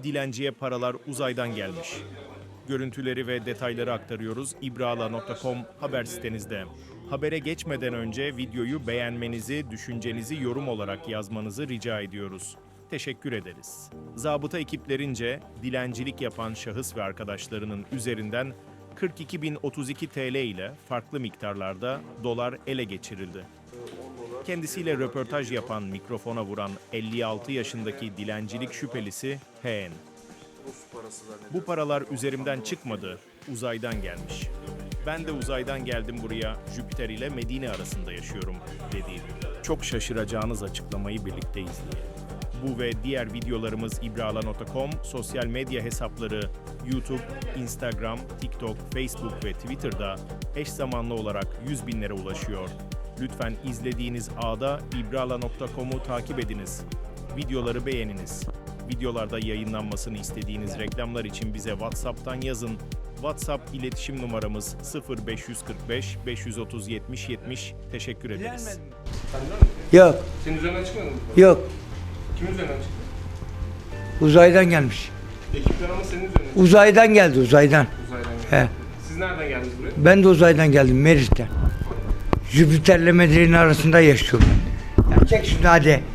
Dilenciye paralar uzaydan gelmiş. Görüntüleri ve detayları aktarıyoruz ibrala.com haber sitenizde. Habere geçmeden önce videoyu beğenmenizi, düşüncenizi yorum olarak yazmanızı rica ediyoruz. Teşekkür ederiz. Zabıta ekiplerince dilencilik yapan şahıs ve arkadaşlarının üzerinden 42.032 TL ile farklı miktarlarda dolar ele geçirildi. Kendisiyle röportaj yapan, mikrofona vuran 56 yaşındaki dilencilik şüphelisi H.N. Bu paralar üzerimden çıkmadı, uzaydan gelmiş. Ben de uzaydan geldim buraya, Jüpiter ile Medine arasında yaşıyorum, dedi. Çok şaşıracağınız açıklamayı birlikte izleyelim. Bu ve diğer videolarımız ibrala.com, sosyal medya hesapları YouTube, Instagram, TikTok, Facebook ve Twitter'da eş zamanlı olarak 100 binlere ulaşıyor. Lütfen izlediğiniz ağda ibrala.com'u takip ediniz. Videoları beğeniniz. Videolarda yayınlanmasını istediğiniz reklamlar için bize WhatsApp'tan yazın. WhatsApp iletişim numaramız 0545 530 70 70. Teşekkür ederiz. Yok, Senin üzerinden çıkmadı mı? yok. Kimin üzerinden çıktı? Uzaydan gelmiş. Ekipler ama senin üzerinden çıktı. Uzaydan geldi, uzaydan. Uzaydan geldi. He. Siz nereden geldiniz buraya? Ben de uzaydan geldim, Merit'ten. Jüpiter'le Medine arasında yaşıyorum ben. Ya çek şunu hadi.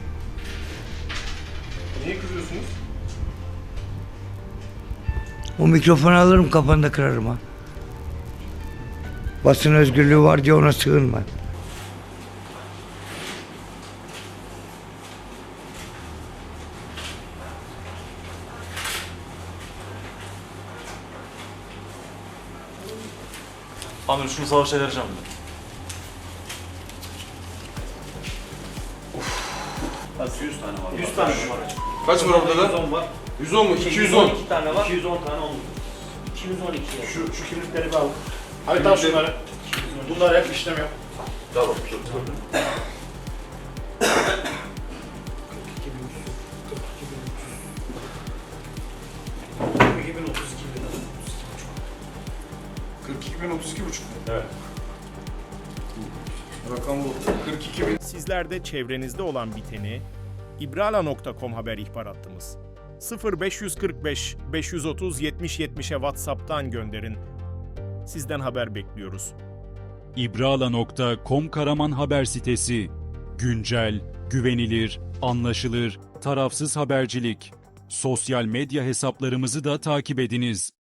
Niye kızıyorsunuz? O mikrofonu alırım, kafanı kırarım ha. Basın özgürlüğü var diye ona sığınma. Amirim şunu savaşa vereceğim ben. Nasıl 100 tane var? 100 tane var. Kaç var orada da? 110 var. 110 mu? 210. 212 tane var. 210 tane oldu. 212 ya. Şu kimlikleri bir al. Hadi al şunları. Bunlar hep işlem yap. Tamam. 42.032,5. Evet. Rakam bu. 42.000. Sizler de çevrenizde olan biteni ibrala.com haber ihbar hattımız 0545 530 70 70'e WhatsApp'tan gönderin. Sizden haber bekliyoruz. ibrala.com Karaman haber sitesi. Güncel, güvenilir, anlaşılır, tarafsız habercilik. Sosyal medya hesaplarımızı da takip ediniz.